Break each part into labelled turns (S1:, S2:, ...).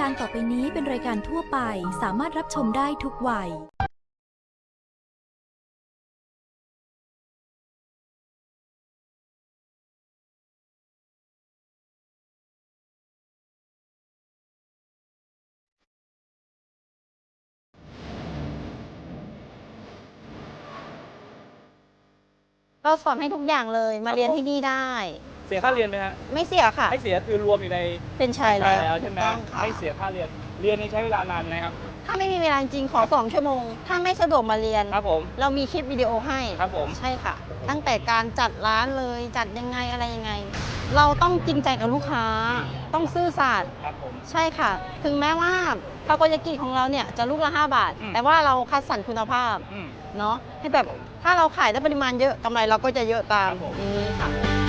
S1: การต่อไปนี้เป็นรายการทั่วไปสามารถรับชมได้ทุกวัย
S2: เราสอนให้ทุกอย่างเลยมาเรียนที่นี่ได้
S3: เสียค่าเรียนไหมฮะ
S2: ไม่เสียค่ะ
S3: ไม่เสียคือรวมอยู่ใน
S2: เป็นชายแล้ว
S3: ใช่ไหม
S2: ถูกต้องค่ะ
S3: ไม่เสียค่าเรียนเรียนนี่ใช้เวลานานไหมครับ
S2: ถ้าไม่มีเวลาจริงขอ2 ชั่วโมง ถ้าไม่สะดวกมาเรียน
S3: ครับผม
S2: เรามีคลิปวิดีโอให้
S3: ครับผม
S2: ใช่ค่ะ ตั้งแต่การจัดร้านเลยจัดยังไงอะไรยังไง เราต้องจริงใจกับลูกค้า ต้องซื่อสัตย์
S3: ครับผม
S2: ใช่ค่ะ ถึงแม้ว่าทาโกยากิของเราเนี่ยจะลูกละ5 บาท
S3: อืม
S2: แต่ว่าเราคัดสรรคุณภาพ
S3: อืม
S2: เนาะให้แบบถ้าเราขายได้ปริมาณเยอะกำไรเราก็จะเยอะตาม
S3: ครับผม
S2: อย่างนี้ค่ะ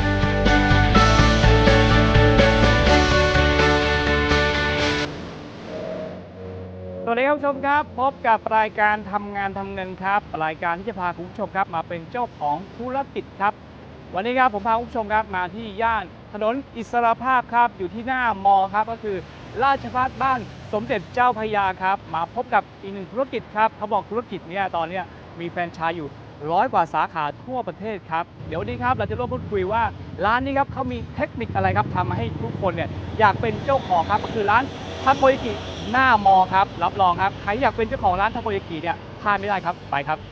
S3: สวัสดีครับผู้ชมครับพบกับรายการทำงานทำเงินครับรายการที่จะพาคุณผู้ชมครับมาเป็นเจ้าของธุรกิจครับวันนี้ครับผมพาคุณผู้ชมครับมาที่ย่านถนนอิสรภาพครับอยู่ที่หน้ามอครับก็คือราชภัฏบ้านสมเด็จเจ้าพระยาครับมาพบกับอีกหนึ่งธุรกิจครับเขาบอกธุรกิจเนี้ยตอนเนี้ยมีแฟรนไชส์อยู่100 กว่าสาขาทั่วประเทศครับเดี๋ยววันนี้ครับเราจะร่วมพูดคุยว่าร้านนี้ครับเขามีเทคนิคอะไรครับทำให้ทุกคนเนี่ยอยากเป็นเจ้าของครับก็คือร้านทาโกยากิหน้ามอครับรับรองครับใครอยากเป็นเจ้าของร้านทาโกยากิเนี่ยพลาดไม่ได้ครับไปครับ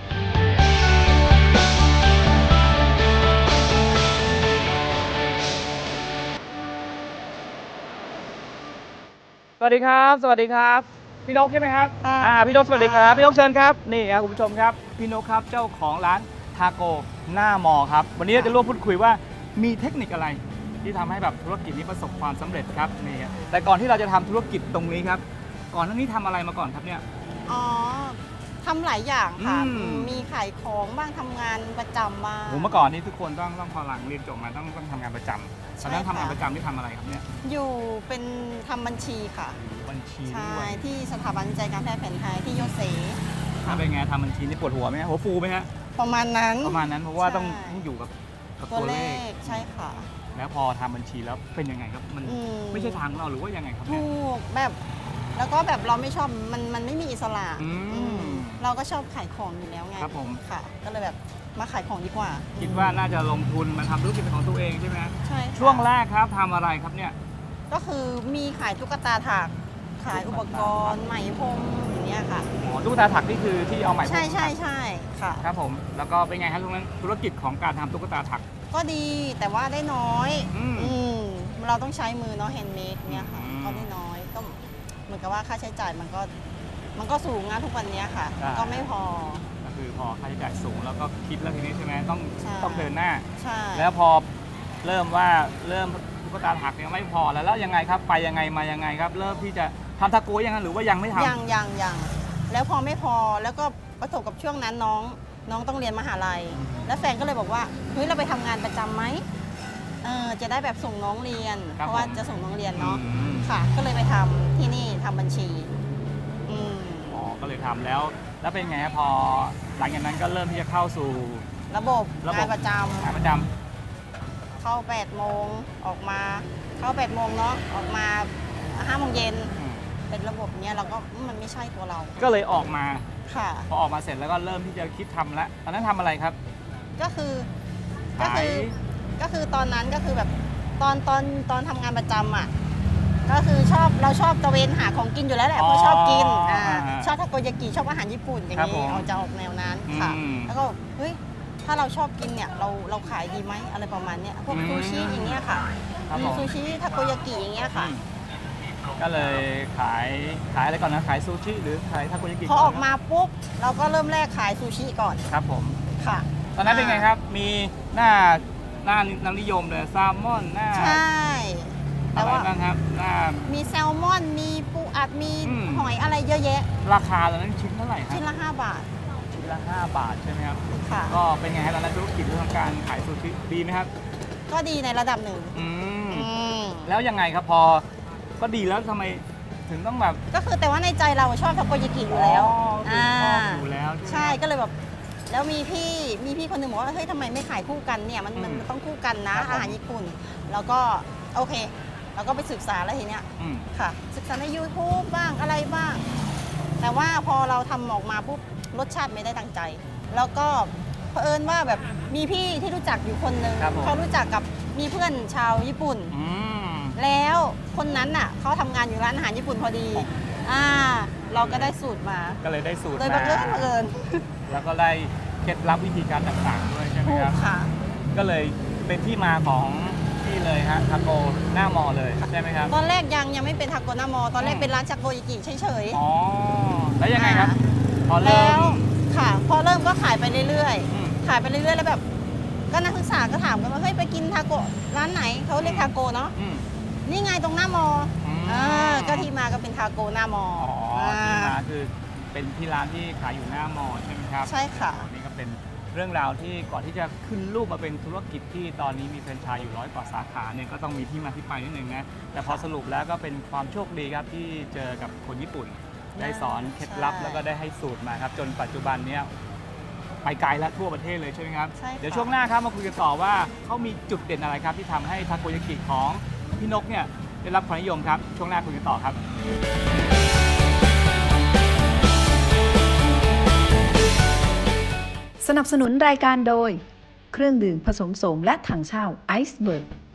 S3: สวัสดีครับสวัสดีครับพี่นกใช่ไหมครับ
S2: ค่ะ
S3: พี่นกสวัสดีครับพี่นกเชิญครับนี่ครับคุณผู้ชมครับพี่นกครับเจ้าของร้านทาโกหน้ามอครับวันนี้เราจะร่วมพูดคุยว่ามีเทคนิคอะไรที่ทำให้แบบธุรกิจนี้ประสบความสำเร็จครับนี่ครับแต่ก่อนที่เราจะทำธุรกิจตรงนี้ครับก่อนหน้านี้ทำอะไรมาก่อนครับเนี่ย
S2: อ๋อทำหลายอย่างค่ะ
S3: อืม
S2: มีขายของบ้างทำงานประจำบ้าง
S3: ผมเมื่อก่อนนี้ทุกคนต้องพอหลังเรียนจบมาต้องทำงานประจำตอนนั้น
S2: ใช่ค่ะ
S3: ทำงานประจำที่ทำอะไรครับเนี่ย
S2: อยู่เป็นทำบัญชีค่ะ
S3: บัญชี
S2: ใช่
S3: ด้วย
S2: ที่สถาบันวิจัยการแพทย์แผนไทยที่โยเซ
S3: ถ้าเป็นไงทำบัญชีนี่ปวดหัวไหมฮะหัวฟูไหมฮะ
S2: ประมาณนั้น
S3: ประมาณนั้นเพราะว่า
S2: ใช่
S3: ต้องอยู่กับ
S2: ตัวเลขใช่ค่ะ
S3: แล้วพอทำบัญชีแล้วเป็นยังไงครับมัน
S2: อืม
S3: ไม่ใช่ทางของเราหรือว่ายังไงครับเนี่ย
S2: ถูกแบบแล้วก็แบบเราไม่ชอบมันไม่มีอิสระ
S3: อืม
S2: อืมเราก็ชอบขายของอยู่แล้วไง
S3: ครับผม
S2: ค่ะ ก็เลยแบบมาขายของดีกว่า
S3: คิดว่าน่าจะลงทุนมาทำธุรกิจเป็นของตัวเองใช่ไหมฮะ
S2: ใช่ค่ะ
S3: ช่วงแรกครับทำอะไรครับเนี่ย
S2: ก็คือมีขายตุ๊กตาถักขายอุปกรณ์ไหมพรมอย่างเงี้ยค่ะ
S3: อ๋อตุ๊กตาถักนี่คือที่เอาไหมพรม
S2: ใช่ใช่
S3: ถัก
S2: ใช่ค่ะ
S3: ครับผมแล้วก็เป็นไงครับตรงนั้นธุรกิจของการทำตุ๊กตาถัก
S2: ก็ดีแต่ว่าได้น้อย
S3: อืม
S2: อืมเราต้องใช้มือเนาะแฮนด์เมดเนี่ยค่ะ
S3: อืม
S2: ก็ได้น้อยก็เหมือนกับว่าค่าใช้จ่ายมันก็สูงนะทุกวันเนี้ยค่ะ
S3: ใช่
S2: ก็ไม่พอ
S3: ก็คือพอค่าใช้จ่ายสูงแล้วก็คิดแล้วทีนี้ใช่ไหมต้อง
S2: ใช่
S3: ต้องเดินหน้า
S2: ใช่
S3: แล้วพอเริ่มตุ๊กตาถักเนี่ยไม่พอแล้วยังไงครับไปยังไงมายังไงครับ เริ่มที่จะทำทาโกยยังไงหรือว่ายังไม่ทำ
S2: ยังแล้วพอไม่พอแล้วก็ประสบกับช่วงนั้นน้องต้องเรียนมหาลัย แล้วแฟนก็เลยบอกว่าเฮ้ยเราไปทำงานประจำไหมจะได้แบบส่งน้องเรียน
S3: ครับ
S2: เพราะว่า
S3: ผม
S2: จะส่งน้องเรียนเนาะ
S3: อืม
S2: ค่ะ ก็เลยไปทำที่นี่ทำบัญชีอืม
S3: อ๋อก็เลยทำแล้วเป็นไงครับพอหลังจากนั้นก็เริ่มที่จะเข้าสู่
S2: ระบบ
S3: ระบบ
S2: งานประจ
S3: งานประจ
S2: ำเข้า8 โมงออกมาเข้า8 โมงเนาะออกมา5 โมงเย็น
S3: ำอืม
S2: เป็นระบบเนี้ยเราก็มันไม่ใช่ตัวเรา
S3: ก็เลยออกมา
S2: ค่ะ
S3: พอออกมาเสร็จแล้วก็เริ่มที่จะคิดทำแล้วตอนนั้นทำอะไรครับ
S2: ก็คือ
S3: ขาย
S2: ก็คือตอนนั้นก็คือแบบตอนทำงานประจำอ่ะก็คือเราชอบตะเวนหาของกินอยู่แล้วแหละเพราะชอบกินชอบทาโกยากิชอบอาหารญี่ปุ่นอย่าง
S3: ครับผ
S2: นี้
S3: ม
S2: เอาจะออกแนวนั้นค่ะ
S3: อืม
S2: แล้วก็เฮ้ยถ้าเราชอบกินเนี่ยเราขายดีไหมอะไรประมาณเนี้ยพวก
S3: อืม
S2: ซูชิอย่างเงี้ยค่ะ
S3: ครับผม
S2: ซูชิทาโกยากิอย่างเงี้ยค่ะ
S3: ก็เลยขายอะไรก่อนนะขายซูชิหรือขายทาโกยากิ
S2: พอออกมาปุ๊บเราก็เริ่มแรกขายซูชิก่อน
S3: ครับผม
S2: ค่ะ
S3: ตอนนั้นเป็นไงครับ มีหน้าน้ำนิยมเลยแซลมอนหน้า
S2: ใช่
S3: อะ
S2: แต่
S3: ไร
S2: ว่า
S3: บ้างครับหน้า
S2: มีแซลมอนมีปูอัดมี
S3: อืม
S2: หอยอะไรเยอะแยะ
S3: ราคาตอนนั้นชิ้นเท่าไหร่ครับ
S2: ชิ้นละ5 บาท
S3: ชิ้นละ5 บาทใช่ไหมครับ
S2: ค่ะ
S3: ก็เป็นไงครับตอนนั้นธุรกิจเรื่องการขายซูชิดีไหมครับ
S2: ก็ดีในระดับหนึ่ง
S3: อืม
S2: อืม
S3: แล้วยังไงครับพอก็ดีแล้วทำไมถึงต้องแบบ
S2: ก็คือแต่ว่าในใจเราชอบทาโกยากิอยู่แล้ว
S3: คือชอบอยู่แล้วใช่ไหม
S2: ใช่ก็เลยแบบแล้วมีพี่คนหนึ่งบอกว่าเฮ้ยทำไมไม่ขายคู่กันเนี่ยมันต้องคู่กันนะอาหารญี่ปุ่น แล้วก็โอเคเราก็ไปศึกษาแล้วทีเนี้ย
S3: อืม
S2: ค่ะ ศึกษาใน YouTube บ้างอะไรบ้าง แต่ว่าพอเราทำออกมาปุ๊บรสชาติไม่ได้ตั้งใจ แล้วก็เผอิญว่าแบบมีพี่ที่รู้จักอยู่คนหนึ่ง
S3: ครับผม
S2: เขารู้จักกับมีเพื่อนชาวญี่ปุ่น
S3: อืม
S2: แล้วคนนั้นน่ะเขาทำงานอยู่ร้านอาหารญี่ปุ่นพอดี เราก็ได้สูตรมา
S3: ก็เลยได้สูตร
S2: โดยบังเอิญ
S3: มา
S2: บังเอิญ
S3: แล้วก็ได้เคล็ดลับวิธีการต่างๆด้วยใช่ไหม
S2: ถู
S3: ค
S2: ก
S3: รับ
S2: ค่ะ
S3: ก็เลยเป็นที่มาของที่เลยฮะทาโกหน้ามอเลยใช่ไหมครับ
S2: ตอนแรกยังไม่เป็นทาโกนามอ ตอนแรกเป็นร้านชาโกยากิเฉย
S3: อ๋อ แล้วยังไงครับ พอ
S2: ๆ
S3: เริ่
S2: แล้ว
S3: ม
S2: ค่ะ พอเริ่มก็ขายไปเรื่อย
S3: อืม
S2: ๆ ขายไปเรื่อยๆ แล้วแบบก็นักศึกษาก็ถามกันว่าเฮ้ยไปกินทาโกร้านไหนเขาเรียกทาโกเนาะ
S3: อืม
S2: นี่ไงตรงหน้ามอ
S3: อืม
S2: ก็ที่มาก็เป็นทาโกหน้ามอ
S3: อ๋อที่มาคือเป็นที่ร้านที่ขายอยู่หน้ามอใช่ไหมครับ
S2: ใช่ค่ะ
S3: นี่ก็เป็นเรื่องราวที่ก่อนที่จะขึ้นรูปมาเป็นธุรกิจที่ตอนนี้มีแฟรนไชส์อยู่100 กว่าสาขาเนี่ยก็ต้องมีที่มาที่ไปนิดนึงนะแต่พอสรุปแล้วก็เป็นความโชคดีครับที่เจอกับคนญี่ปุ่น ได้สอนเคล็ดลับ
S2: ใช่
S3: แล้วก็ได้ให้สูตรมาครับจนปัจจุบันเนี้ยไปไกลและทั่วประเทศเลยใช่ไหมครับ
S2: ใช่ค่ะ
S3: เดี๋ยวช่วงหน้าครับมาคุยกันต่อว่าเขามีจุดเด่นอะไรครับที่ทำให้ทาโกยากิของพี่นกเนี่ยได้รับความนิยมครับช่วงหน้าคุยกันต่อครับ
S4: สนับสนุนรายการโดย เครื่องดื่มผสมโสมและถังเช่าไอซ์เบิร์ก